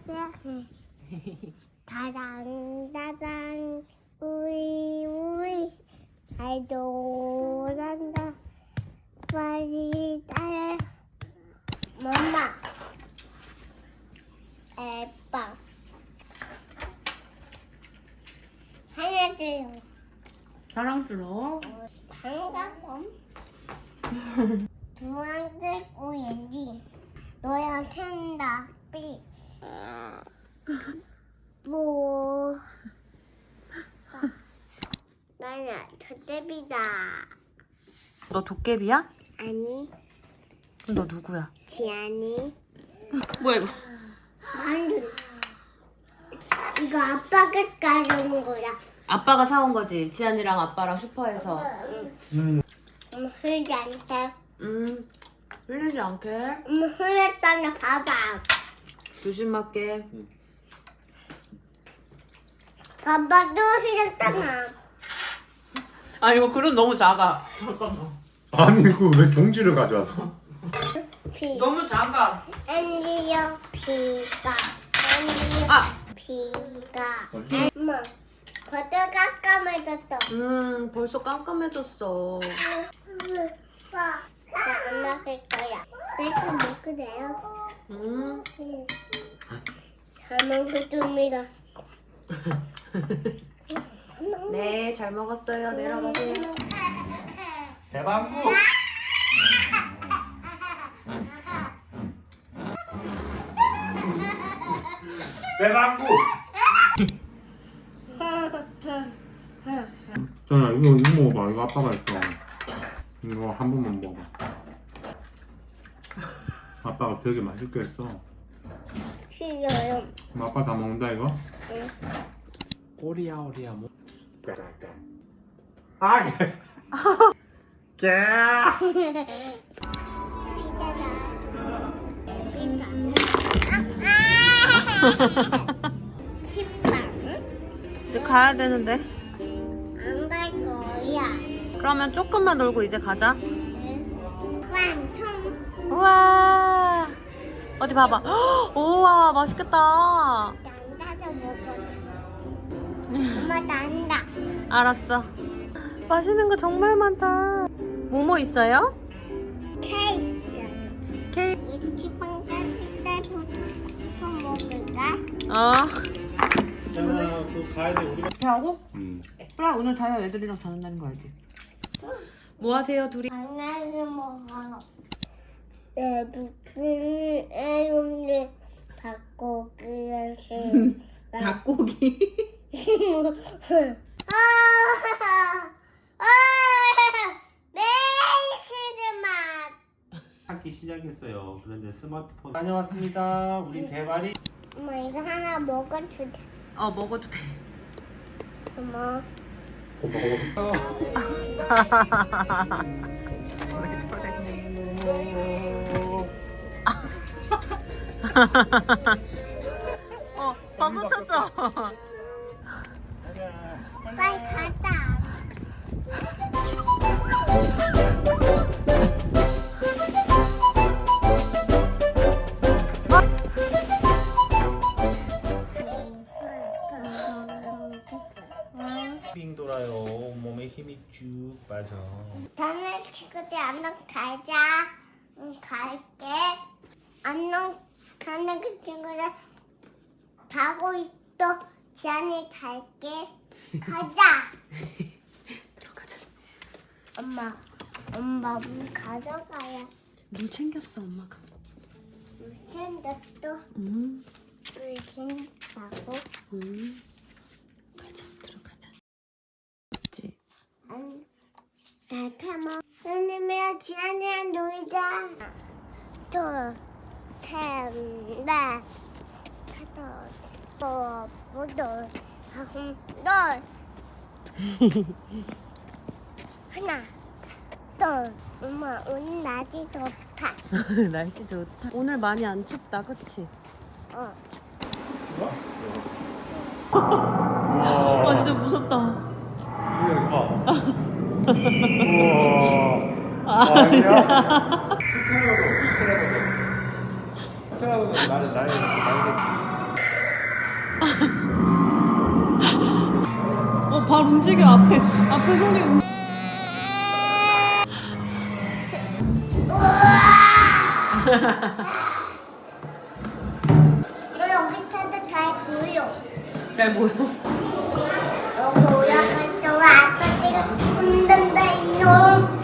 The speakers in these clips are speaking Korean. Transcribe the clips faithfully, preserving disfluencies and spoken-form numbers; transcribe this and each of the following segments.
시작해. 다당 다당 우리 우리 잘 놀란다. 빨리 따라. 엄마. 에빵. 하나도 사랑스러워. 반가움. 주황색 오렌지. 너야 텐다. 삐. 뭐. 나는 도깨비다. 너 도깨비야? 아니, 그럼 너 누구야? 지안이. 뭐야 이거? 아니. 이거 아빠가 가져온 거야. 아빠가 사온 거지. 지안이랑 아빠랑 슈퍼에서. 음, 흘리지 않게. 음, 흘리지 않게. 음, 흘렸다나 봐봐. 조심할게. 봐봐, 또 흘렸잖아. 아 이거 그릇 너무 작아. 아니 그 왜 종지를 가져왔어? 비. 너무 작아. 앤디요, 비가. 앤디요, 아, 비가. 어디? 엄마, 벌써 깜깜해졌어. 음, 벌써 깜깜해졌어. 나 안 먹을 거야. 내가 먹으래요. 음, 잘 먹겠습니다. 네, 잘 먹었어요. 내려가세요. 대방구. 대방구. 전아 이거 이거 먹어봐. 이거 아빠가 했어. 이거 한 번만 먹어. 아빠가 되게 맛있게 했어. 싫어요. 그럼 아빠 다 먹는다 이거? 응. 오리야 오리야 뭐? 아 예. 식빵 이제 가야 되는데. 안 갈 거야. 그러면 조금만 놀고 이제 가자. 완성. 우와. 어디 봐봐. 헉, 우와, 맛있겠다. 난다서 먹어. 엄마 난다. 알았어. 맛있는 거 정말 많다. 뭐뭐 있어요? 케이크. 케이크. 식빵 깎을 때부터 먹을까? 어. 있잖아 그 가야 돼 우리가. 이렇게 하고? 음. 그래, 오늘 자유 애들이랑 자는다는 거 알지? 뭐 하세요, 둘이? 하나를 먹어. 내 무슨 애용을 받고 그래서 닭고기. 아, 아, 메이크드 맛. 하기 시작했어요. 그런데 스마트폰 다녀왔습니다. 우리 대발이 엄마 이거 하나 먹어도 돼. 어, 먹어도 돼. 엄마. 왜 저래? 어, 방금 쳤어. 빨리 가자. 빙 돌아요. 온몸에 힘이 쭉 빠져. 다음에 친구들 안녕 가자. 응, 갈게. 안녕 가는 그 친구들 자고 있어. 지안이 갈게. 가자. 들어가자. 엄마, 엄마 물 가져가야. 물 챙겼어, 엄마가. 물 챙겼어. 음, 물 챙긴다고. 음. 가자, 들어가자. 그치? 아니, 나 타먹. 선생님이랑 지안이랑 놀자. 둘, 셋, 넷, 다섯, 여, 여덟, 아홉, 열. 하나, 둘. 엄마 오늘 날이 좋다. 날씨 좋다. 오늘 많이 안 춥다, 그치? 어. 아, 진짜 무섭다. 우와. 아니야? 스트라도 스트라도 스트라도 나는 나의 나의 어, 발 움직여. 앞에 앞에 손이 움직여. 너 여기 타도 잘 보여. 잘 보여? 여기 올라갈 동안 아빠가 흔든다 이놈.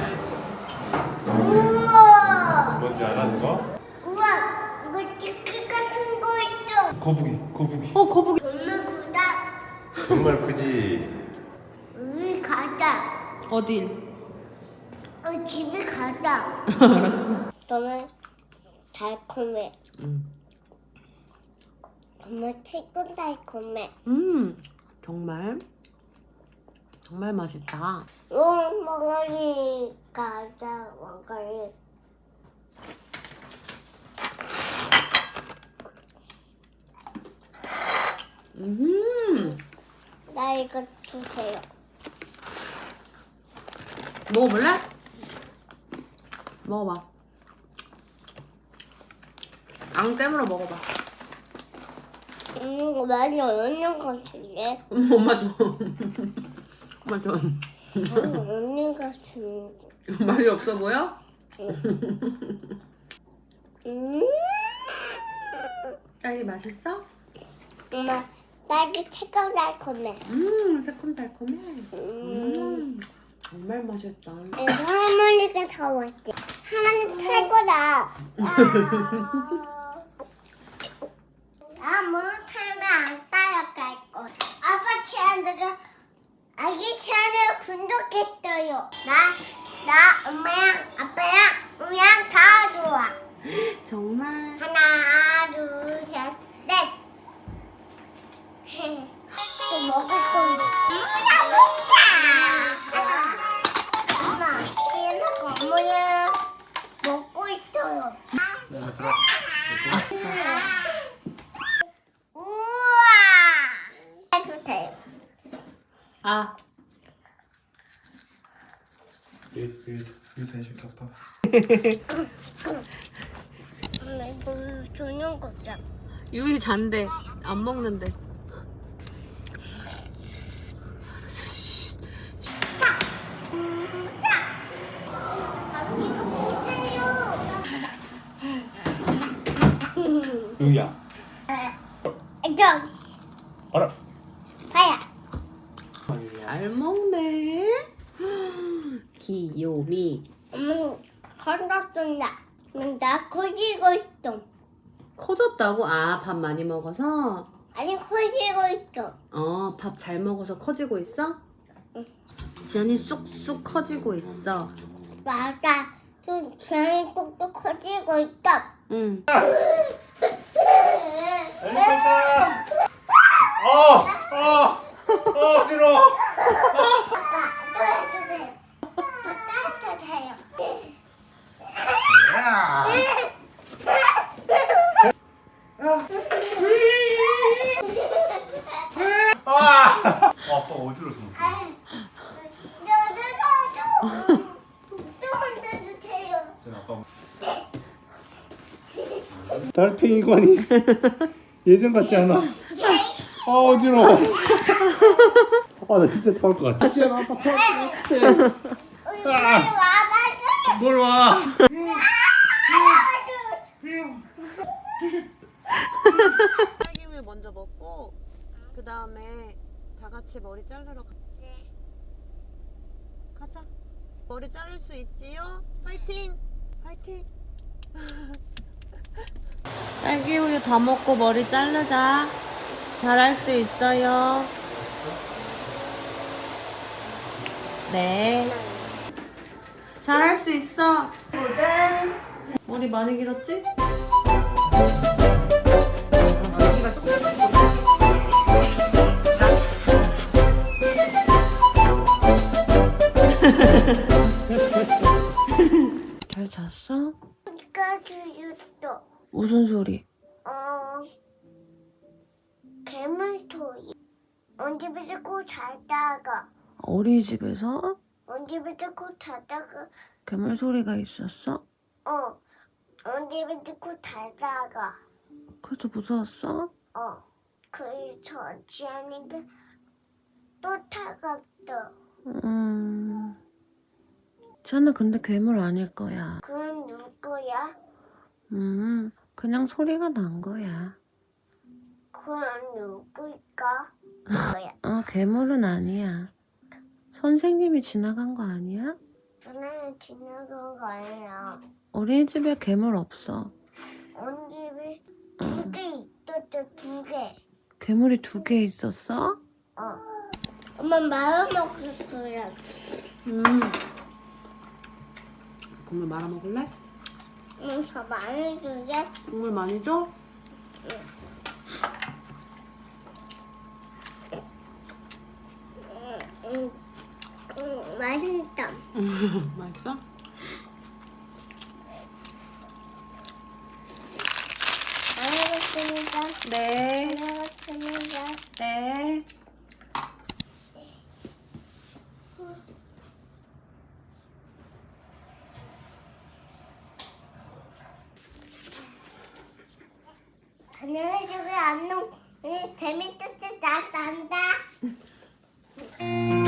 우와. 뭔지 알아 저거? 우와. 이거 치킨 같은 거 있어. 거북이 거북이. 어, 거북이. 정말 크다. 정말 크지. 우리 가자. 어딜? 어, 집에 가자. 알았어. 정말 달콤해. 음. 정말 최고 달콤해. 음, 정말 정말 맛있다. 오, 먹거리 가자, 먹거리. 음, 나 이거 주세요. 먹어볼래? 먹어봐. 앙 깨물어 먹어봐. 음, 이거 많이 없는 것 같은데. 음, 엄마 줘. 엄마 줘. 많이 없는 것 같은데. 맛이 없어 보여? 음, 딸기 맛있어? 엄마, 딸기 최고 달콤해. 음, 새콤달콤해. 음, 음, 정말 맛있다. 이거 할머니가 사왔지. 할머니 최고다. 아, 뭐 타면 안 따라갈 거. 아빠 채널가 아기 채널 구독했어요. 나, 나 엄마랑 아빠랑 우양 다 좋아. 정말. 하나, 둘, 셋, 넷. 또 먹을 거 있다. 먹자. 엄마, 시에는 거모야 먹고 있어요. 우와. 해도 돼요. 아, 이거 다시 갚아. 엄마, 이거 주는 거잖아. 유이 잔데 안 먹는데. 유야. 저, 알아. 봐야. 잘 먹네. 귀요미. 엄마, 건졌습니다. 나 커지고 있어. 커졌다고? 아, 밥 많이 먹어서? 아니, 커지고 있어. 어, 밥 잘 먹어서 커지고 있어? 지안이 쑥쑥 커지고 있어. 맞아. 좀 괜히 꼭또 커지고 있어. 응. 어, 어, 어, 어지러워. 아빠, 또 해주세요. 또 따뜻해요. 아, 아빠 어지러워서. 너도 또 흔들주세요. 아빠. 달팽이관이 예전 같지 않아? 아 어지러워. 아 나 진짜 토할 것 같아. 지안아 아빠 토할 것 같아. 빨리 와봐. 뭘 와? 딸기우유 먼저 먹고 그 다음에 다 같이 머리 자르러 가. 가자. 머리 자를 수 있지요? 화이팅! 화이팅! 딸기우유 다 먹고 머리 자르자. 잘할 수 있어요. 네. 잘할 수 있어. 도전. 머리 많이 길었지? 잘 잤어? 이거 주셨어. 무슨 소리? 어, 괴물 소리. 언제부터 꼭 자다가, 어린이집에서 언제부터 꼭 자다가, 괴물 소리가 있었어? 어, 언제부터 꼭 자다가, 그래서 무서웠어? 어, 그저 지안이가 또 타갔어. 음. 쟤는 근데 괴물 아닐 거야. 그건 누구야? 음. 그냥 소리가 난 거야. 그건 누구일까? 뭐야? 어, 괴물은 아니야. 선생님이 지나간 거 아니야? 전에 지나간 거 아니야. 어린이집에 괴물 없어. 온 집에 두 개 있었어, 두 개. 괴물이 두 개 있었어? 어. 엄마 말아먹었어요. 음. 국물 말아 먹을래? 응, 저 많이 주게. 국물 많이 줘? 응, 응, 응, 맛있다. 맛있어? 잘 먹었습니다. 네. 잘 먹었습니다. 네. 안녕히 주게 안녕. 재밌었어. 나 간다.